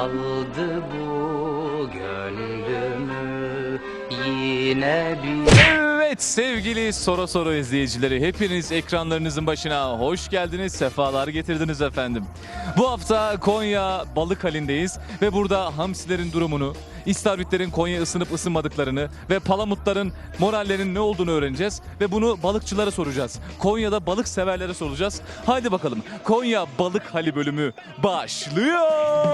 aldı bu gönlümü yine bir... Evet sevgili Soru Soru izleyicileri, hepiniz ekranlarınızın başına hoş geldiniz, sefalar getirdiniz efendim. Bu hafta Konya Balık Hali'ndeyiz ve burada hamsilerin durumunu, istavritlerin Konya ısınıp ısınmadıklarını ve palamutların morallerinin ne olduğunu öğreneceğiz ve bunu balıkçılara soracağız. Konya'da balık severlere soracağız. Haydi bakalım, Konya Balık Hali bölümü başlıyor.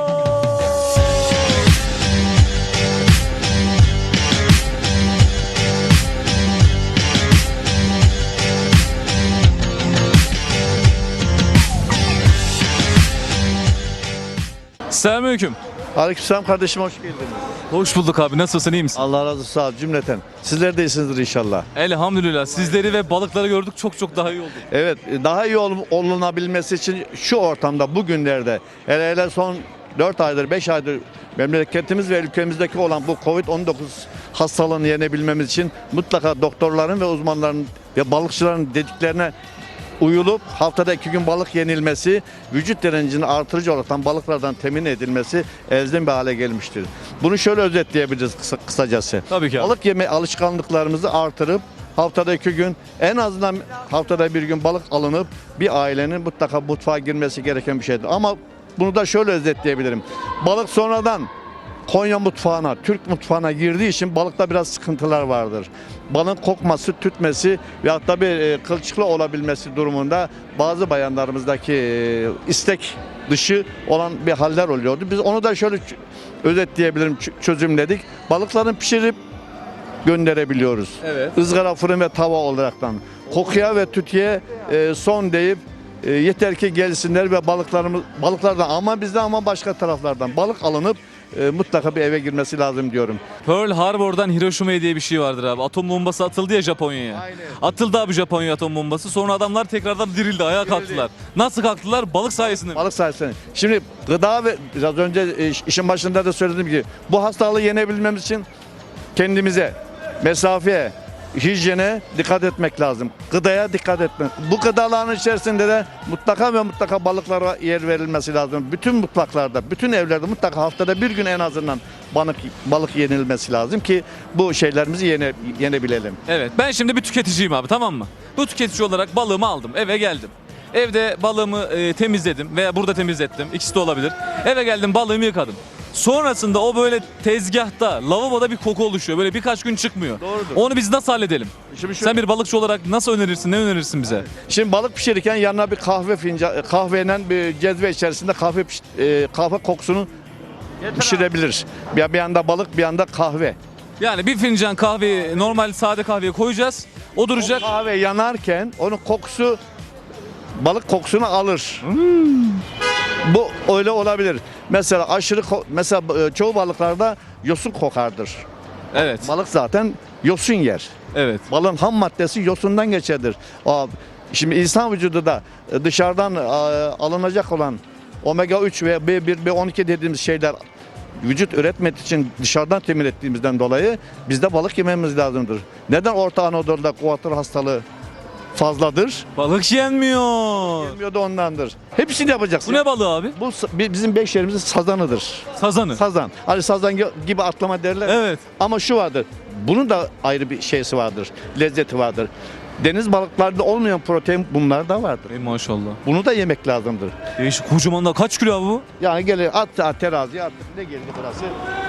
Selamünaleyküm. Aleykümselam kardeşim, hoş geldiniz. Hoş bulduk abi. Nasılsın? İyi misin? Allah razı olsun, sağ ol cümleten. Sizler de iyisinizdir inşallah. Elhamdülillah. Sizleri ve balıkları gördük. Çok daha iyi oldu. Evet, daha iyi olunabilmesi için şu ortamda, bugünlerde, hele son 4 aydır, 5 aydır memleketimiz ve ülkemizdeki olan bu Covid-19 hastalığını yenebilmemiz için mutlaka doktorların ve uzmanların ve balıkçıların dediklerine uyulup haftada 2 gün balık yenilmesi, vücut direncini artırıcı olarak balıklardan temin edilmesi elzem bir hale gelmiştir. Bunu şöyle özetleyebiliriz kısacası. Tabii ki abi. Balık yeme alışkanlıklarımızı artırıp haftada 2 gün, en azından haftada 1 gün balık alınıp bir ailenin mutlaka mutfağa girmesi gereken bir şeydir. Ama bunu da şöyle özetleyebilirim. Balık sonradan Konya mutfağına, Türk mutfağına girdiği için balıkta biraz sıkıntılar vardır. Balığın kokması, tütmesi ve hatta bir kılçıklı olabilmesi durumunda bazı bayanlarımızdaki istek dışı olan bir haller oluyordu. Biz onu da şöyle özetleyebilirim, çözümledik. Balıkların pişirip gönderebiliyoruz. Evet. Izgara, fırın ve tava olaraktan. Kokuya ve tütüye son deyip yeter ki gelsinler ve balıklardan ama bizden ama başka taraflardan balık alınıp mutlaka bir eve girmesi lazım diyorum. Pearl Harbor'dan Hiroşima'ya diye bir şey vardır abi. Atom bombası atıldı ya Japonya'ya. Aynen. Atıldı abi Japonya'ya atom bombası. Sonra adamlar tekrardan dirildi, ayağa kalktılar. Nasıl kalktılar? Balık sayesinde. Balık sayesinde. Şimdi gıda ve biraz önce işin başında da söylediğim gibi bu hastalığı yenebilmemiz için kendimize, mesafeye, hijyene dikkat etmek lazım. Gıdaya dikkat etmek. Bu gıdaların içerisinde de mutlaka ve mutlaka balıklara yer verilmesi lazım. Bütün mutfaklarda, bütün evlerde mutlaka haftada 1 gün en azından balık yenilmesi lazım ki bu şeylerimizi yenebilelim. Evet, ben şimdi bir tüketiciyim abi, tamam mı? Bu tüketici olarak balığımı aldım, eve geldim. Evde balığımı temizledim veya burada temizlettim. İkisi de olabilir. Eve geldim, balığımı yıkadım. Sonrasında o böyle tezgahta, lavaboda bir koku oluşuyor. Böyle birkaç gün çıkmıyor. Doğrudur. Onu biz nasıl halledelim? Şimdi Sen bir balıkçı olarak nasıl önerirsin, ne önerirsin bize? Şimdi balık pişirirken yanına bir kahveyle bir cezve içerisinde kahve kokusunu pişirebilir. Bir yanda balık, bir yanda kahve. Yani bir fincan kahveyi, normal sade kahveye koyacağız. O duracak. O kahve yanarken onun kokusu balık kokusunu alır. Bu öyle olabilir. Mesela çoğu balıklarda yosun kokardır. Evet. Balık zaten yosun yer. Evet. Balığın ham maddesi yosundan geçerdir. Şimdi insan vücudu da dışarıdan alınacak olan omega 3 ve B1, B12 dediğimiz şeyler vücut üretmek için dışarıdan temin ettiğimizden dolayı bizde balık yememiz lazımdır. Neden Orta Anadolu'da kuatır hastalığı fazladır? Balık yenmiyor. Yemiyor da ondandır. Hepsini yapacaksın. Bu ne balığı abi? Bu bizim beş yerimizin sazanıdır. Sazanı. Sazan. Hani sazan gibi atlama derler. Evet. Ama şu vardır. Bunun da ayrı bir şeysi vardır. Lezzeti vardır. Deniz balıklarında olmayan protein bunlarda vardır. Ey maşallah. Bunu da yemek lazımdır. Değişik, kocaman da. Kaç kilo abi bu? Yani gelir at teraziye attık. Ne geldi burası?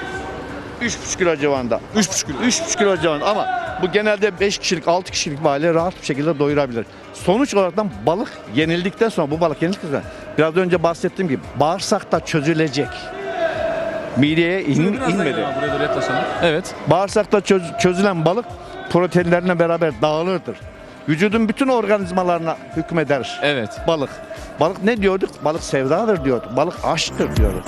3,5 kilo civarında. 3,5 kilo. 3,5 kilo civarında ama bu genelde 5 kişilik 6 kişilik bir aile rahat bir şekilde doyurabilir. Sonuç olarak balık yenildikten sonra bu balık yenildikten sonra biraz önce bahsettiğim gibi bağırsakta çözülecek. Mideye inmedi. Buraya doğru yaklaşalım. Evet. Bağırsakta çözülen balık proteinlerine beraber dağılırdır. Vücudun bütün organizmalarına hükmeder. Evet. Balık. Balık ne diyorduk? Balık sevdadır diyorduk. Balık aşktır diyorduk.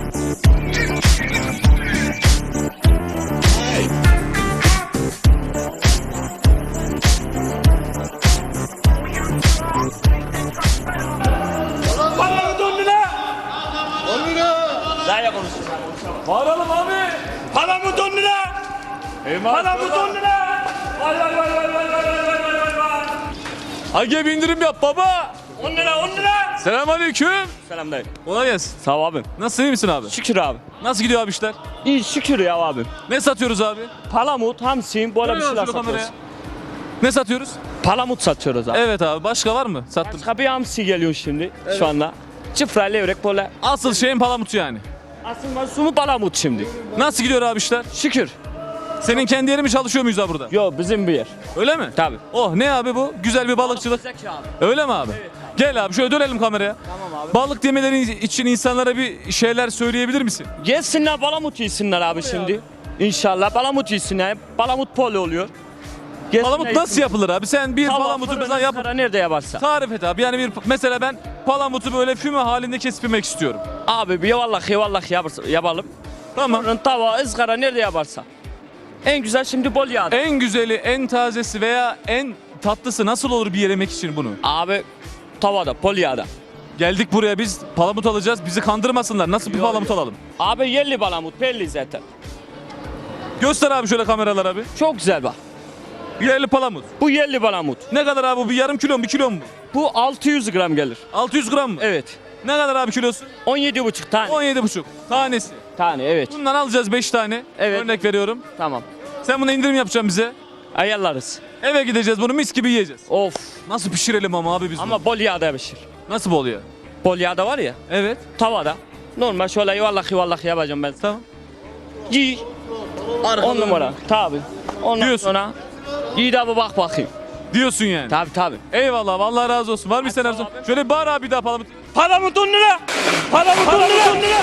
Paramı 10 lira. 10 lira. Daha konuşsun. Bağıralım abi. Paramı 10 lira. Paramı 10 lira. Vay vay vay vay vay vay vay vay vay vay. Hage bir indirim yap baba. 10 lira 10 lira. Selamünaleyküm. Selam dayı. Kolay gelsin. Sağ ol abim. Nasılsın, iyi misin abi? Şükür abi. Nasıl gidiyor abi işler? İyi şükür ya abim. Ne satıyoruz abi? Palamut, hamsi, böyle bir Dönüyoruz şeyler şöyle satıyoruz. kameraya. Ne satıyoruz? Palamut satıyoruz abi. Evet abi, başka var mı? Sattım. Başka bir hamsi geliyor şimdi şu anda. Çıfra, levrek böyle. Asıl şeyin palamutu yani. Aslında sumu palamut şimdi. Nasıl gidiyor abi işler? Şükür. Senin kendi yeri mi, çalışıyor muyuz abi burada? Yo bizim bir yer. Öyle mi? Tabii. Oh, ne abi bu? Güzel bir balıkçılık. Zeki abi. Öyle mi abi? Gel abi şöyle dönelim kameraya. Tamam abi. Balık yemeleri için insanlara bir şeyler söyleyebilir misin? Gelsinler palamut yesinler abi şimdi. İnşallah palamut yesinler. Palamut polo oluyor. Gelsinler Palamut nasıl yesinler. yapılır abi? Sen bir Tava, palamutu fırın, mesela yap. ızgara nerede yaparsa. Tarif et abi. Yani mesela ben palamutu böyle füme halinde kesip yemek istiyorum. Abi bir vallahi yapalım. Tamam. Fırın, tava, ızgara nerede yaparsa. En güzel şimdi bol yağda. En güzeli, en tazesi veya en tatlısı nasıl olur bir yemek için bunu? Abi tavada, bol yağda. Geldik buraya, biz palamut alacağız. Bizi kandırmasınlar. Nasıl bir Yok, palamut yok. alalım? Abi yerli palamut belli zaten. Göster abi şöyle kameralar abi. Çok güzel bak. Yerli palamut. Bu yerli palamut. Ne kadar abi bu? Bir yarım kilo mu, bir kilo mu? Bu 600 gram gelir. 600 gram mı? Evet. Ne kadar abi kilosu? 17,5 tane. 17,5 tanesi. Tane evet. Bundan alacağız 5 tane. Evet. Örnek veriyorum. Tamam. Sen buna indirim yapacaksın bize. Ayarlarız. Eve gideceğiz, bunu mis gibi yiyeceğiz. Of. Nasıl pişirelim ama abi biz bunu? Ama bol yağda pişir. Nasıl bol ya? Bol yağda var ya. Evet. Tavada. Normal şöyle yuvarlak yapacağım ben. Tamam. Giy. 10 numara. Tabi. Ondan Diyorsun. sonra. Giy de abi bak bakayım. Diyorsun yani. Tabi. Eyvallah, vallahi razı olsun. Var mı isteyen arzu? Şöyle bağır abi, bir daha palamut. Palamut 10 lira. Palamut 10 lira.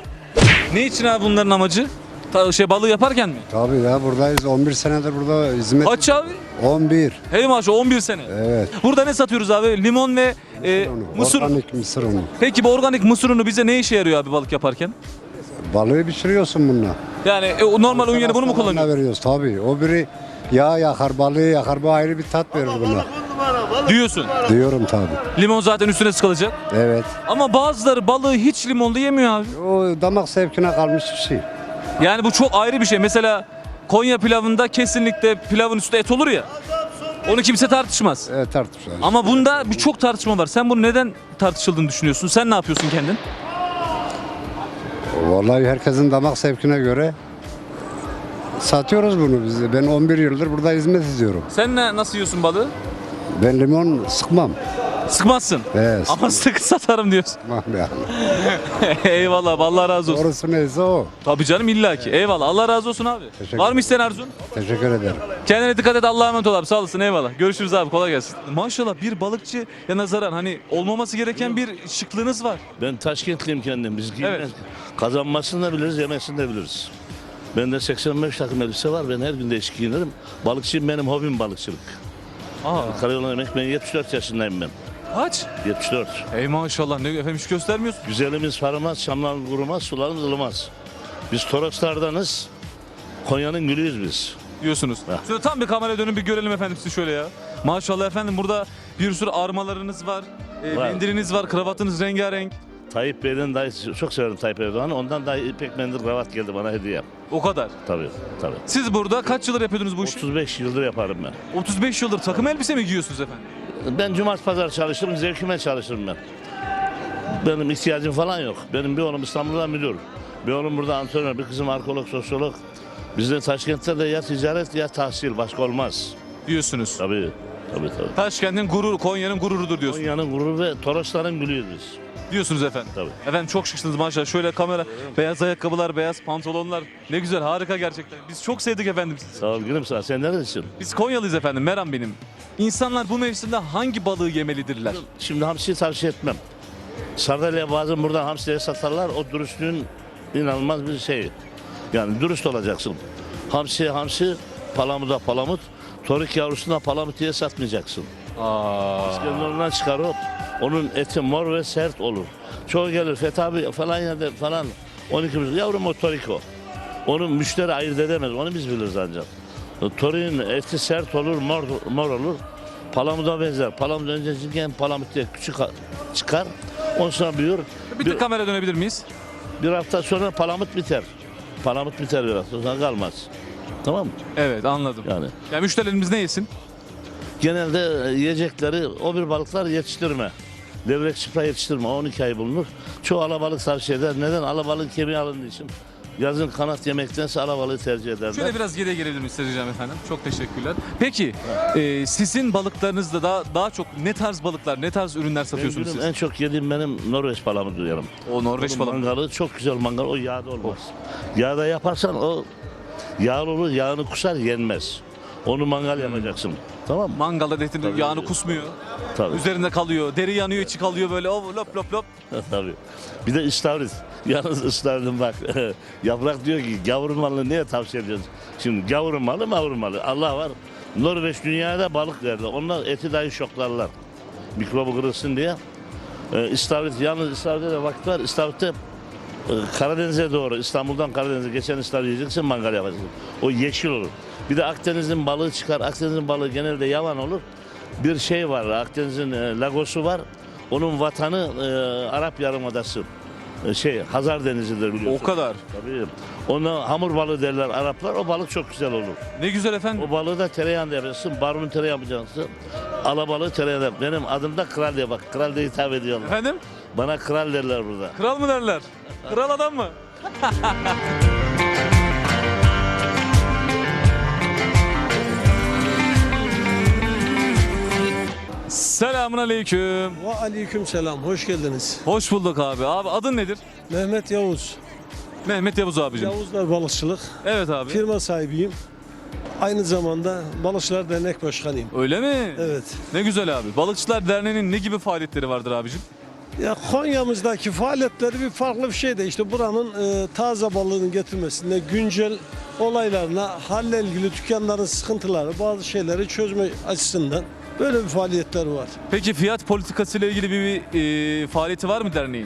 Ne için abi bunların amacı? Balığı yaparken mi? Tabii ya buradayız. 11 senedir burada hizmet. Kaç abi? 11. Hey maşallah, 11 sene. Evet. Burada ne satıyoruz abi? Limon ve mısır. Organik mısır unu. Peki bu organik mısır unu bize ne işe yarıyor abi balık yaparken? Balığı pişiriyorsun bununla. Yani o normal un yerine bunu mu kullanıyorsun? veriyoruz tabii. O biri yağ yakar, balığı yakar. Bu ayrı bir tat verir buna. Diyorsun. Diyorum tabii. Limon zaten üstüne sıkılacak. Evet. Ama bazıları balığı hiç limonlu yemiyor abi. O damak zevkine kalmış bir şey. Yani bu çok ayrı bir şey. Mesela Konya pilavında kesinlikle pilavın üstünde et olur ya. Onu kimse tartışmaz. Evet tartışılır. Ama bunda birçok tartışma var. Sen bunu neden tartışıldığını düşünüyorsun? Sen ne yapıyorsun kendin? Vallahi herkesin damak zevkine göre satıyoruz bunu biz. Ben 11 yıldır burada hizmet ediyorum. Sen nasıl yiyorsun balığı? Ben limon sıkmam. Sıkmazsın. Evet. Ama sık satarım diyorsun. Sıkmam yani. Eyvallah, Allah razı olsun. Doğrusu neyse o. Tabii canım, illaki. Eyvallah, Allah razı olsun abi. Teşekkür Var mı isteyen arzun? Teşekkür ederim. Kendine dikkat et, Allah'a emanet ol abi. Sağ olasın, eyvallah. Görüşürüz abi, kolay gelsin. Maşallah bir balıkçı ya nazaran hani olmaması gereken bir şıklığınız var. Ben Taşkentliyim kendim. Biz Evet. kazanmasını da biliriz, yemesini de biliriz. Bende 85 takım elbise var. Ben her gün değişik giyinirim. Balıkçıyım, benim hobim balıkçılık. Aa, Karayoluna emek, ben 74 yaşındayım ben. kaç? 74. Ey maşallah, ne efendim, hiç göstermiyorsun. Güzelimiz paramaz, şamlarımız kurumaz, sularımız ılımaz. Biz Toroslardanız. Konya'nın gülüyüz biz. Diyorsunuz. Ha. Şöyle tam bir kameraya dönün, bir görelim efendim sizi şöyle ya. Maşallah efendim, burada bir sürü armalarınız var. Var. Mendiliniz var, kravatınız rengarenk. Tayyip Bey'den dahi çok severim Tayyip Erdoğan'ı. Ondan dahi ipek mendil kravat geldi bana hediye. O kadar. Tabii. Siz burada kaç yıldır yapıyordunuz bu işi? 35 yıldır yaparım ben. 35 yıldır takım elbise mi giyiyorsunuz efendim? Ben cumartesi pazar çalışırım, zevkime çalışırım ben. Benim ihtiyacım falan yok. Benim bir oğlum İstanbul'da müdür. Bir oğlum burada antrenör, bir kızım arkeolog, sosyolog. Bizde Taşkent'te de ya ticaret ya tahsil, başka olmaz. Diyorsunuz. Tabii. Taşkent'in gururu, Konya'nın gururudur diyorsunuz. Konya'nın gururu ve Torosların gülüyüz biz. Diyorsunuz efendim. Tabii. Efendim çok şıksınız maşallah. Şöyle kamera, beyaz ayakkabılar, beyaz pantolonlar. Ne güzel, harika gerçekten. Biz çok sevdik efendim sizi. Sağ ol gülüm sana. Sen neredesin? Biz Konyalıyız efendim, Meram benim. İnsanlar bu mevsimde hangi balığı yemelidirler? Şimdi hamsiyi tavsiye etmem. Sardalya bazen buradan hamsiye satarlar. O dürüstlüğün inanılmaz bir şey. Yani dürüst olacaksın. Hamsiye hamsi, palamuda palamut. Torik yavrusuna palamut diye satmayacaksın. İskenderun'dan çıkar o. Onun eti mor ve sert olur. Çoğu gelir Fethi abi falan yerde falan. 12 yavrum o torik o. Onu müşteri ayırt edemez. Onu biz biliriz ancak. Toriğin eti sert olur, mor olur. Palamuda benzer. Palamut önce çirken palamut diye küçük çıkar. Ondan sonra büyür. Bir tık kamera dönebilir miyiz? Bir hafta sonra palamut biter. Palamut biter bir hafta sonra kalmaz. Tamam mı? Evet, anladım. Yani. Ya müşterilerimiz ne yesin? Genelde yiyecekleri o bir balıklar yetiştirme. Levrek çıpra yetiştirme 12 ay bulunur. Çoğu alabalık tavsiye eder. Neden? Alabalık kemiği alındığı için. Yazın kanat yemektense alabalığı tercih ederler. Şöyle biraz geriye gelebilir miyim isteyeceğim efendim? Çok teşekkürler. Peki sizin balıklarınızda daha çok ne tarz balıklar, ne tarz ürünler satıyorsunuz Benim siz? en çok yediğim benim Norveç palamudu yerim. O Norveç Onun balığı. mangalı çok güzel mangal. O yağda olmaz. Yağda yaparsan o yağlı olur, yağını kusar yenmez. Onu mangal yapacaksın. Tamam mı? Mangalda etin Tabii. yağını kusmuyor. Tabii. Üzerinde kalıyor. Deri yanıyor, içi kalıyor böyle. O lop lop lop. Tabii. Bir de istavrit. Yalnız istavritin bak. Yaprak diyor ki gavur malını niye tavsiye ediyorsun? Şimdi gavur malı mavur malı. Allah var. Norveç dünyada balık verdi. Onlar eti dahi şoklarlar. Mikrobu kırılsın diye. İstavrit yalnız istavritte de vakit var. İstavritte Karadeniz'e doğru İstanbul'dan Karadeniz'e geçen istavrit yiyeceksin mangal yapacaksın. O yeşil olur. Bir de Akdeniz'in balığı çıkar. Akdeniz'in balığı genelde yavan olur. Bir şey var. Akdeniz'in Lagos'u var. Onun vatanı Arap Yarımadası. Hazar Denizi'dir biliyorsun. O kadar. Tabii. Ona hamur balığı derler Araplar. O balık çok güzel olur. Ne güzel efendim. O balığı da tereyağında yapacaksın. Barbun tereyağı yapacaksın. Alabalığı tereyağında yap. Benim adım da Kral diye bak. Kral diye hitap ediyorlar. Efendim? Bana kral derler burada. Kral mı derler? Kral adam mı? Selamun aleyküm. Ve aleyküm selam, hoş geldiniz. Hoş bulduk abi. Abi adın nedir? Mehmet Yavuz. Mehmet Yavuz abicim. Yavuzlar Balıkçılık. Evet abi. Firma sahibiyim. Aynı zamanda Balıkçılar Dernek Başkanıyım. Öyle mi? Evet. Ne güzel abi. Balıkçılar Derneği'nin ne gibi faaliyetleri vardır abicim? Ya Konya'mızdaki faaliyetleri bir farklı bir şey de işte buranın taze balığının getirmesinde güncel olaylarına, halle ilgili dükkanların sıkıntıları, bazı şeyleri çözme açısından böyle bir faaliyetler var. Peki fiyat politikası ile ilgili bir faaliyeti var mı derneğin?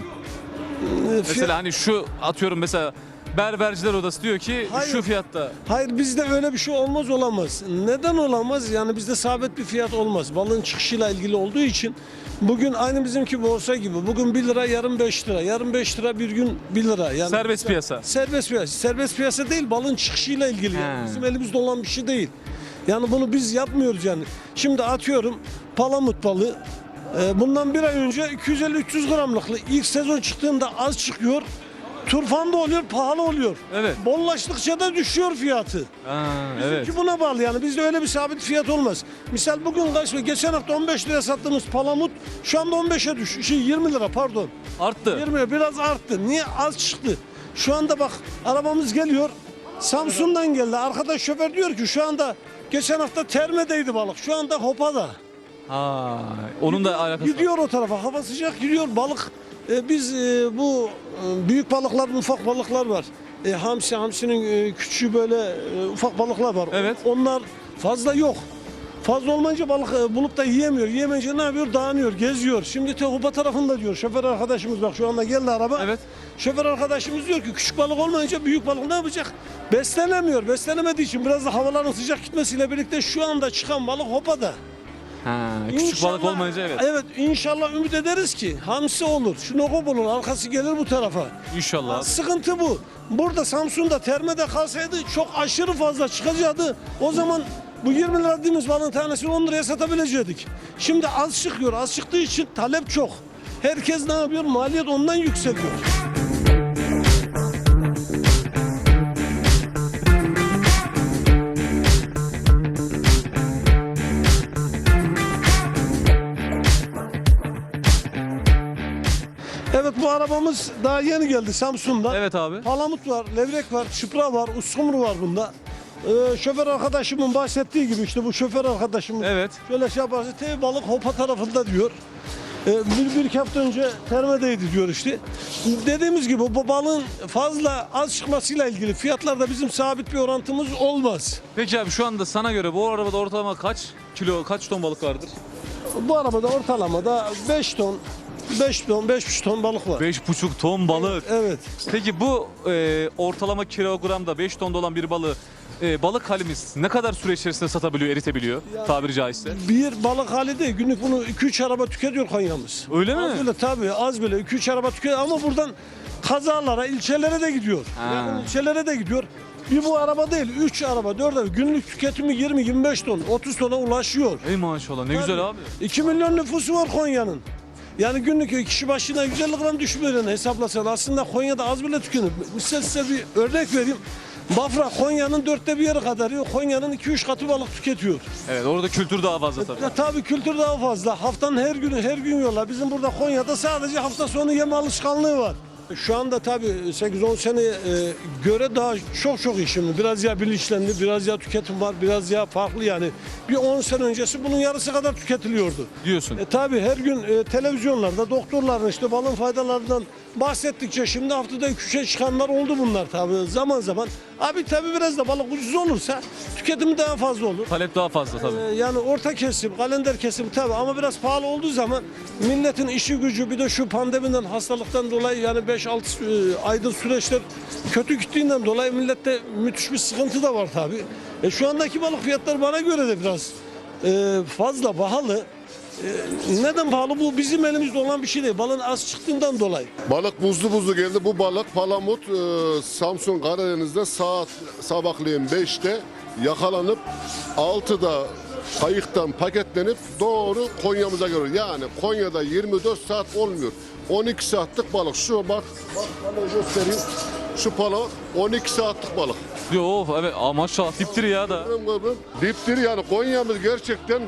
Mesela hani şu atıyorum mesela Berberciler Odası diyor ki Hayır. şu fiyatta. Hayır, bizde öyle bir şey olmaz, olamaz. Neden olamaz? Yani bizde sabit bir fiyat olmaz. Balığın çıkışıyla ilgili olduğu için bugün aynı bizimki borsa gibi. Bugün 1 lira, yarın 5 lira. Yarın 5 lira, bir gün 1 lira. Yani Serbest piyasa. Serbest piyasa. Serbest piyasa değil, balığın çıkışıyla ilgili. Yani He. bizim elimizde olan bir şey değil. Yani bunu biz yapmıyoruz yani. Şimdi atıyorum palamut balığı. Bundan bir ay önce 250-300 gramlıklı ilk sezon çıktığında az çıkıyor. Turfanda oluyor, pahalı oluyor. Evet. Bollaştıkça da düşüyor fiyatı. Evet. Ki buna bağlı yani bizde öyle bir sabit fiyat olmaz. Misal bugün geçen hafta 15 liraya sattığımız palamut şu anda 15'e düş. 20 lira pardon. Arttı. 20'ye biraz arttı. Niye? Az çıktı. Şu anda bak arabamız geliyor. Samsun'dan geldi. Arkadaş şoför diyor ki şu anda geçen hafta Terme'deydi balık. Şu anda Hopa'da. Ha, onun da alakası var. Gidiyor o tarafa. Hava sıcak gidiyor balık. Biz bu büyük balıklar, ufak balıklar var. Hamsinin küçüğü böyle ufak balıklar var. Evet. Onlar fazla yok. Fazla olmayınca balık bulup da yiyemiyor. Yiyemeyince ne yapıyor? Dağınıyor, geziyor. Şimdi Tehupa tarafında diyor. Şoför arkadaşımız bak şu anda geldi araba. Evet. Şoför arkadaşımız diyor ki küçük balık olmayınca büyük balık ne yapacak? Beslenemiyor. Beslenemediği için biraz da havaların sıcak gitmesiyle birlikte şu anda çıkan balık Hopa'da. Ha, küçük balık İnşallah- olmayınca evet. Evet inşallah ümit ederiz ki hamsi olur. Şinokop olur. Arkası gelir bu tarafa. İnşallah abi. Sıkıntı bu. Burada Samsun'da Terme'de kalsaydı çok aşırı fazla çıkacaktı. O zaman bu 20 lira dediğimiz balığın tanesini 10 liraya satabilecektik. Şimdi az çıkıyor. Az çıktığı için talep çok. Herkes ne yapıyor? Maliyet ondan yükseliyor. Evet bu arabamız daha yeni geldi Samsun'dan. Evet abi. Palamut var, levrek var, çıpra var, uskumru var bunda. Şoför arkadaşımın bahsettiği gibi işte bu şoför arkadaşımız Evet. şöyle şey yaparsa tev balık Hopa tarafında diyor. Bir iki hafta önce Terme'deydi diyor işte. Dediğimiz gibi bu balığın fazla az çıkmasıyla ilgili fiyatlarda bizim sabit bir orantımız olmaz. Peki abi şu anda sana göre bu arabada ortalama kaç ton balık vardır? Bu arabada ortalamada 5 ton, 5,5 ton balık var. 5,5 ton balık. Evet. Peki bu ortalama kilogramda 5 tonda olan bir balığı balık halimiz ne kadar süre içerisinde satabiliyor, eritebiliyor tabiri caizse? Bir balık hali değil. Günlük bunu 2-3 araba tüketiyor Konya'mız. Öyle mi? Az bile tabii az bile 2-3 araba tüketiyor ama buradan kazalara, ilçelere de gidiyor. Ha. Yakın ilçelere de gidiyor. Bir bu araba değil, 3 araba, 4 araba. Günlük tüketimi 20-25 ton, 30 tona ulaşıyor. Ey maşallah ne güzel abi. 2 milyon nüfusu var Konya'nın. Yani günlük kişi başına 150 gram düşmüyor yani hesaplasan. Aslında Konya'da az bile tükenir. Mesela size bir örnek vereyim. Bafra Konya'nın 1/4 bir yeri kadar yiyor. Konya'nın 2-3 katı balık tüketiyor. Evet, orada kültür daha fazla tabii. Tabii kültür daha fazla. Haftanın her gün yiyorlar. Bizim burada Konya'da sadece hafta sonu yeme alışkanlığı var. Şu anda tabii 8-10 seneye göre daha çok iyi şimdi. Biraz ya bilinçlendi, biraz ya tüketim var, biraz ya farklı yani. Bir 10 sene öncesi bunun yarısı kadar tüketiliyordu. Diyorsun. Tabii her gün televizyonlarda doktorların işte balın faydalarından bahsettikçe şimdi haftada 2-3'e çıkanlar oldu bunlar tabii zaman zaman. Abi tabii biraz da balık ucuz olursa tüketimi daha fazla olur. Talep daha fazla tabii. Yani orta kesim, kalender kesim tabii ama biraz pahalı olduğu zaman milletin işi gücü bir de şu pandemiden hastalıktan dolayı yani 5-6 aydır süreçler kötü gittiğinden dolayı millette müthiş bir sıkıntı da var tabii. Şu andaki balık fiyatları bana göre de biraz fazla pahalı. Neden pahalı? Bu bizim elimizde olan bir şey değil. Balın az çıktığından dolayı. Balık buzlu geldi. Bu balık palamut Samsun Karadeniz'de sabahleyin 5'te yakalanıp 6'da kayıktan paketlenip doğru Konya'mıza geliyor. Yani Konya'da 24 saat olmuyor. 12 saatlik balık. Şu bak balığı göstereyim. Şu balık 12 saatlik balık. Yo evet, maşallah diptir ya da. Diptir yani Konya'mız gerçekten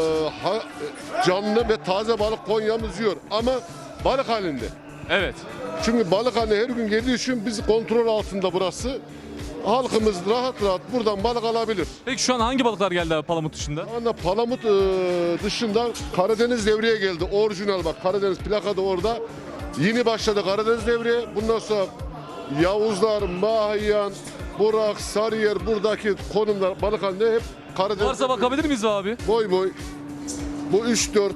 canlı ve taze balık Konya'mız yiyor. Ama balık halinde. Evet. Çünkü balık hani her gün geldiği için biz kontrol altında burası. Halkımız rahat buradan balık alabilir. Peki şu an hangi balıklar geldi abi palamut dışında? Şu anda palamut dışında Karadeniz devreye geldi. Orijinal bak Karadeniz plaka da orada. Yeni başladı Karadeniz devreye. Bundan sonra Yavuzlar, Mahiyan, Burak, Sarıyer buradaki konumlar balık halinde hep Karadeniz. Varsa bakabilir miyiz abi? Boy. Bu 3-4.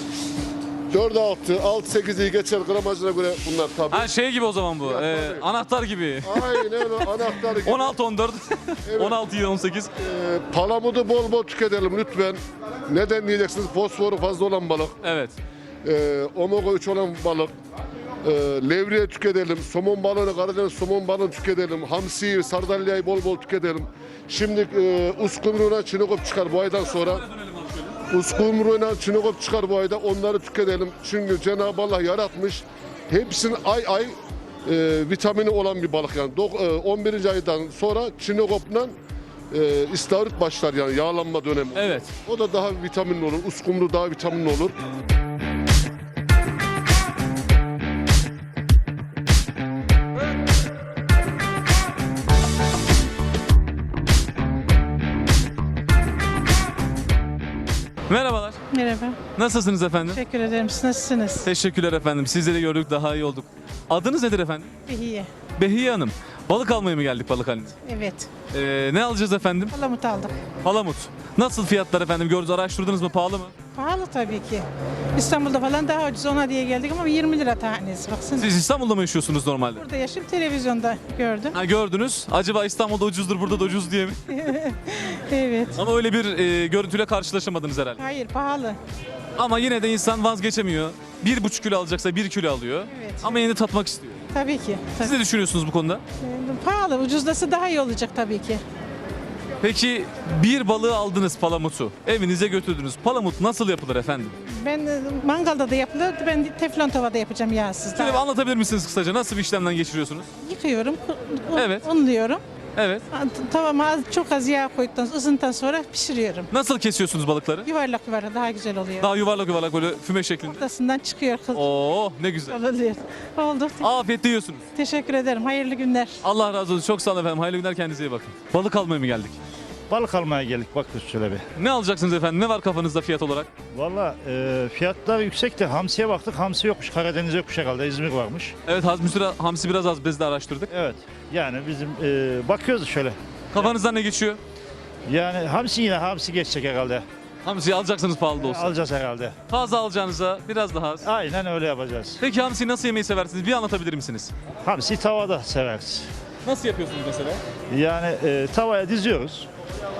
4-6, 6-8'i geçer gramajına göre bunlar tabii. Ha şey gibi o zaman bu. tabii. Anahtar gibi. Aynen öyle anahtar gibi. 16-14, Evet. 16-18. Palamudu bol tüketelim lütfen. Neden diyeceksiniz? Fosforu fazla olan balık. Evet. Omega 3 olan balık. Levriye tüketelim. Somon balığını, Karadeniz somon balığını tüketelim. Hamsiyi, sardalyayı bol tüketelim. Şimdi uskumruğuna çinekop çıkar bu aydan sonra. Uskumruğuna çinekop çıkar bu ayda. Onları tüketelim. Çünkü Cenab-ı Allah yaratmış. Hepsinin ay vitamini olan bir balık yani. 11. aydan sonra çinekopla istavrit başlar yani yağlanma dönemi. Evet. O da daha vitaminli olur. Uskumru daha vitaminli olur. Merhabalar. Merhaba. Nasılsınız efendim? Teşekkür ederim. Siz nasılsınız? Teşekkürler efendim. Sizleri gördük, daha iyi olduk. Adınız nedir efendim? İyi. Behiye Hanım. Balık almaya mı geldik balık halinde? Evet. Ne alacağız efendim? Palamut aldık. Palamut. Nasıl fiyatlar efendim? Gördünüz, araştırdınız mı? Pahalı mı? Pahalı tabii ki. İstanbul'da falan daha ucuz ona diye geldik ama 20 lira tanesi. Baksana. Siz İstanbul'da mı yaşıyorsunuz normalde? Burada yaşayıp televizyonda gördüm. Ha, gördünüz. Acaba İstanbul'da ucuzdur, burada da ucuz diye mi? Evet. Ama öyle bir görüntüyle karşılaşamadınız herhalde. Hayır pahalı. Ama yine de insan vazgeçemiyor. 1,5 kilo alacaksa 1 kilo alıyor. Evet. Ama yine de tatmak istiyor. Tabii ki. Siz ne düşünüyorsunuz bu konuda? Pahalı. Ucuzlası daha iyi olacak tabii ki. Peki bir balığı aldınız palamutu. Evinize götürdünüz. Palamut nasıl yapılır efendim? Ben mangalda da yapılır. Ben teflon tavada yapacağım yağsız. Şöyle bir anlatabilir misiniz kısaca? Nasıl bir işlemden geçiriyorsunuz? Yıkıyorum. Evet. Unluyorum. Evet. Tavama çok az yağ koyduktan ısındıktan sonra pişiriyorum. Nasıl kesiyorsunuz balıkları? Yuvarlak yuvarlak daha güzel oluyor. Daha yuvarlak böyle füme şeklinde. Ortasından çıkıyor. Oo ne güzel. Oluyor. Oldu. Afiyetle yiyorsunuz. Teşekkür ederim. Hayırlı günler. Allah razı olsun. Çok sağ olun efendim. Hayırlı günler, kendinize iyi bakın. Balık almaya mı geldik? Balık almaya geldik bak şöyle bir. Ne alacaksınız efendim? Ne var kafanızda fiyat olarak? Valla fiyatlar yüksek de hamsiye baktık. Hamsi yokmuş. Karadeniz yokmuş herhalde. İzmir varmış. Evet, hamsi biraz az, biz de araştırdık. Evet. Yani bizim bakıyoruz şöyle. Kafanızdan ne geçiyor? Yani hamsi geçecek herhalde. Hamsiyi alacaksınız pahalı da olsa. Alacağız herhalde. Fazla alacağınıza biraz daha az. Aynen öyle yapacağız. Peki hamsiyi nasıl yemeyi seversiniz? Bir anlatabilir misiniz? Hamsi tavada severiz. Nasıl yapıyorsunuz mesela? Yani tavaya diziyoruz.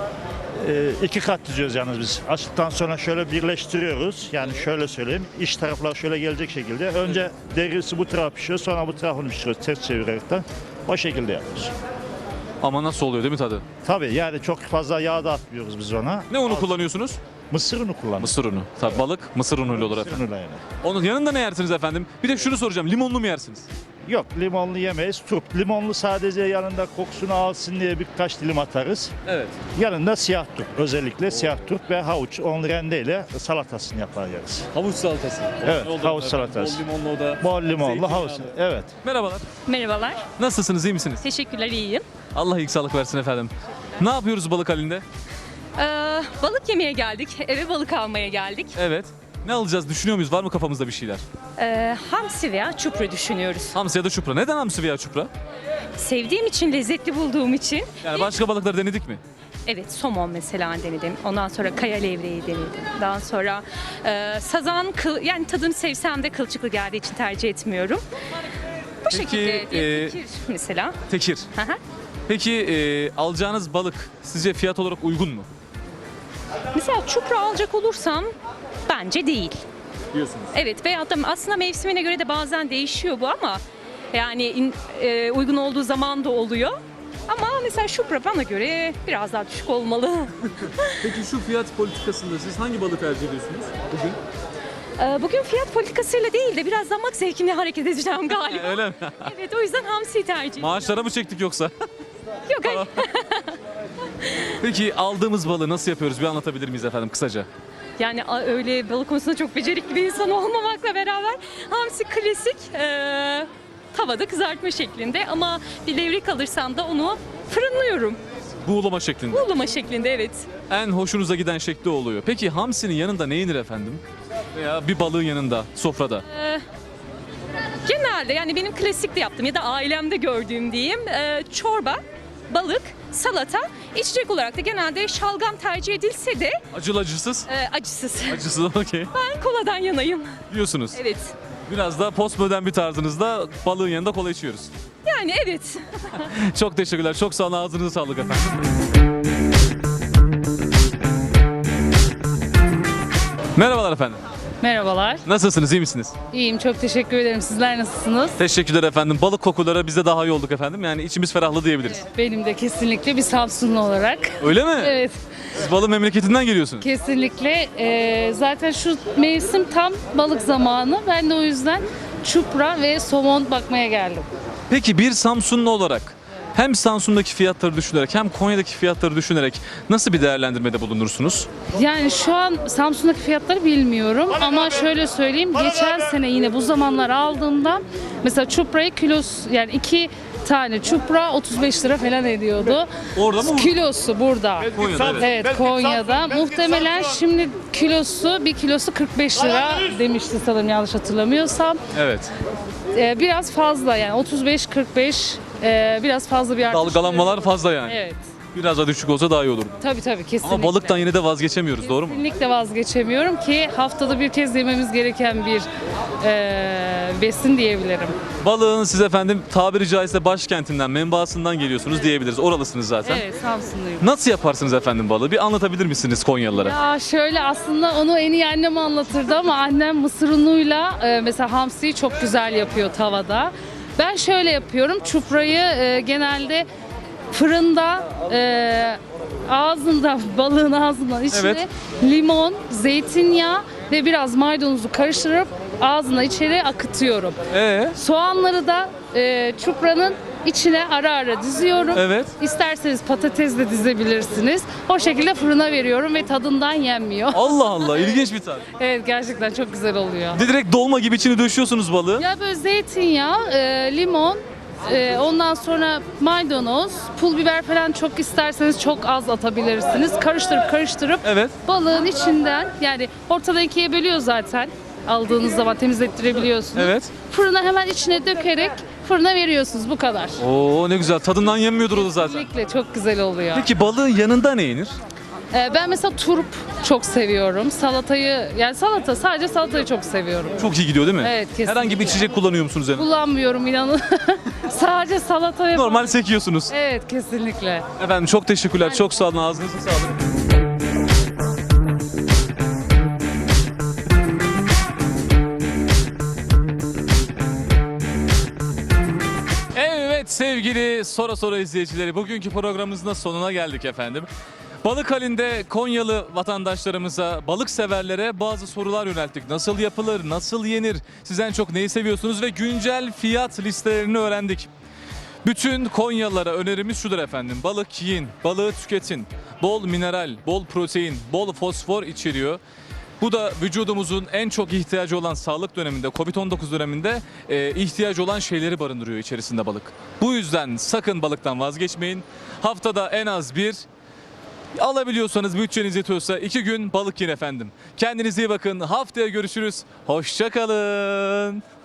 2 kat diziyoruz yalnız biz. Açtıktan sonra şöyle birleştiriyoruz. Yani şöyle söyleyeyim. İç taraflar şöyle gelecek şekilde. Önce derisi bu tarafa pişiyor. Sonra bu tarafını pişiriyoruz ters çevirerekten. O şekilde yapıyoruz. Ama nasıl oluyor değil mi tadı? Tabii yani çok fazla yağ da atmıyoruz biz ona. Ne unu kullanıyorsunuz? Mısır unu kullanırız. Mısır unu. Tabii balık mısır unuyla olur efendim. Mısır unuyla yani. Onun yanında ne yersiniz efendim? Bir de şunu soracağım. Limonlu mu yersiniz? Yok, limonlu yemeyiz. Turp. Limonlu sadece yanında kokusunu alsın diye birkaç dilim atarız. Evet. Yanında siyah turp. Özellikle siyah turp ve havuç. Onu rendeyle salatasını yapar yeriz. Havuç salatası. Evet, Ne oldu havuç efendim? salatası. Bol limonlu o da. Bol limonlu Zeytinyağlı. havuç. Evet. Merhabalar. Merhabalar. Nasılsınız? İyi misiniz? Teşekkürler, iyiyim. Allah ilk sağlık versin efendim. Ne yapıyoruz balık halinde? Balık yemeye geldik. Eve balık almaya geldik. Evet. Ne alacağız? Düşünüyor muyuz? Var mı kafamızda bir şeyler? Hamsi veya çupra düşünüyoruz. Hamsi ya da çupra. Neden hamsi veya çupra? Sevdiğim için, lezzetli bulduğum için. Yani başka balıkları denedik mi? Evet, somon mesela denedim. Ondan sonra kaya levreği denedim. Daha sonra sazan, yani tadını sevsem de kılçıklı geldiği için tercih etmiyorum. Bu şekilde tekir mesela. Tekir. Hı hı. Peki alacağınız balık sizce fiyat olarak uygun mu? Mesela çupra alacak olursam bence değil. Diyorsunuz. Evet, veyahut da aslında mevsimine göre de bazen değişiyor bu ama yani uygun olduğu zaman da oluyor. Ama mesela çupra bana göre biraz daha düşük olmalı. Peki şu fiyat politikasında siz hangi balığı tercih ediyorsunuz bugün? Bugün fiyat politikasıyla değil de biraz damak zevkimle hareket edeceğim galiba. Öyle mi? Evet, o yüzden hamsiyi tercih ediyorum. Maaşlara mı çektik yoksa? Yok, hayır. Peki aldığımız balığı nasıl yapıyoruz? Bir anlatabilir miyiz efendim kısaca? Yani öyle balık konusunda çok becerikli bir insan olmamakla beraber hamsi klasik tavada kızartma şeklinde ama bir levrek alırsam da onu fırınlıyorum. Buğulama şeklinde. Buğulama şeklinde, evet. En hoşunuza giden şekli oluyor. Peki hamsinin yanında ne yenir efendim? Veya bir balığın yanında, sofrada? Genelde yani benim klasikte yaptığım ya da ailemde gördüğüm diyeyim çorba, balık, salata, içecek olarak da genelde şalgam tercih edilse de Acılı acısız? acısız. Acısız okey. Ben koladan yanayım. Diyorsunuz. Evet. Biraz da postmodern bir tarzınızda balığın yanında kola içiyoruz. Yani evet. Çok teşekkürler. Çok sağ olun. Ağzınıza sağlık efendim. Merhabalar efendim. Merhabalar. Nasılsınız? İyi misiniz? İyiyim, çok teşekkür ederim. Sizler nasılsınız? Teşekkürler efendim. Balık kokulara biz de daha iyi olduk efendim. Yani içimiz ferahladı diyebiliriz. Benim de kesinlikle bir Samsunlu olarak. Öyle mi? Evet, Siz balık memleketinden geliyorsunuz. kesinlikle. Zaten şu mevsim tam balık zamanı. Ben de o yüzden çupra ve somon bakmaya geldim. Peki bir Samsunlu olarak hem Samsun'daki fiyatları düşünerek hem Konya'daki fiyatları düşünerek nasıl bir değerlendirmede bulunursunuz? Yani şu an Samsun'daki fiyatları bilmiyorum ama şöyle söyleyeyim. Geçen sene yine bu zamanlar aldığımda mesela çuprayı kilosu, yani 2 tane çupra 35 lira falan ediyordu. Orada mı? Kilosu burada. Konya'da, evet. Evet, Konya'da. Muhtemelen şimdi bir kilosu 45 lira demişti sanırım, yanlış hatırlamıyorsam. Evet. Biraz fazla yani 35-45 biraz fazla bir artış. Dalgalanmalar fazla yani. Evet. Biraz daha düşük olsa daha iyi olur. Tabii kesinlikle. Ama balıktan yine de vazgeçemiyoruz, doğru mu? Kesinlikle vazgeçemiyorum ki haftada bir kez yememiz gereken bir besin diyebilirim. Balığın siz efendim tabiri caizse başkentinden, menbaasından geliyorsunuz diyebiliriz. Oralısınız zaten. Evet, Samsunluyum. Nasıl yaparsınız efendim balığı? Bir anlatabilir misiniz Konyalılara? Ya şöyle, aslında onu en iyi annem anlatırdı ama annem mısır unuyla mesela hamsiyi çok güzel yapıyor tavada. Ben şöyle yapıyorum. Çuprayı genelde fırında balığın ağzından içine Evet. limon, zeytinyağı ve biraz maydanozu karıştırıp ağzına içeri akıtıyorum. Soğanları da çupranın içine ara ara diziyorum. Evet. İsterseniz patates de dizebilirsiniz. O şekilde fırına veriyorum ve tadından yenmiyor. Allah Allah, ilginç bir tarif. Evet, gerçekten çok güzel oluyor. Direkt dolma gibi içini döşüyorsunuz balığı. Ya böyle zeytinyağı, limon, ondan sonra maydanoz, pul biber falan çok isterseniz çok az atabilirsiniz. Karıştırıp Evet. balığın içinden, yani ortadan ikiye bölüyor zaten. Aldığınız zaman temizlettirebiliyorsunuz. Evet. Fırına hemen içine dökerek fırına veriyorsunuz, bu kadar. Oo ne güzel. Tadından yenmiyordur o da zaten. Kesinlikle çok güzel oluyor. Peki balığın yanında ne yenir? Ben mesela turp çok seviyorum. Sadece salatayı çok seviyorum. Çok iyi gidiyor değil mi? Evet, kesinlikle. Herhangi bir içecek kullanıyor musunuz yanında? Kullanmıyorum, inanın. Sadece salata yapıyorum. Normal sekiyorsunuz. Evet, kesinlikle. Efendim çok teşekkürler. Çok sağ olun. Ağzınıza sağlık. Evet sevgili Sora izleyicileri, bugünkü programımızın da sonuna geldik efendim. Balık halinde Konyalı vatandaşlarımıza, balık severlere bazı sorular yönelttik. Nasıl yapılır, nasıl yenir, siz en çok neyi seviyorsunuz ve güncel fiyat listelerini öğrendik. Bütün Konyalılara önerimiz şudur efendim. Balık yiyin, balığı tüketin. Bol mineral, bol protein, bol fosfor içeriyor. Bu da vücudumuzun en çok ihtiyacı olan sağlık döneminde, Covid-19 döneminde ihtiyacı olan şeyleri barındırıyor içerisinde balık. Bu yüzden sakın balıktan vazgeçmeyin. Haftada en az bir, alabiliyorsanız bütçeniz yetiyorsa 2 gün balık yiyin efendim. Kendinize iyi bakın. Haftaya görüşürüz. Hoşça kalın.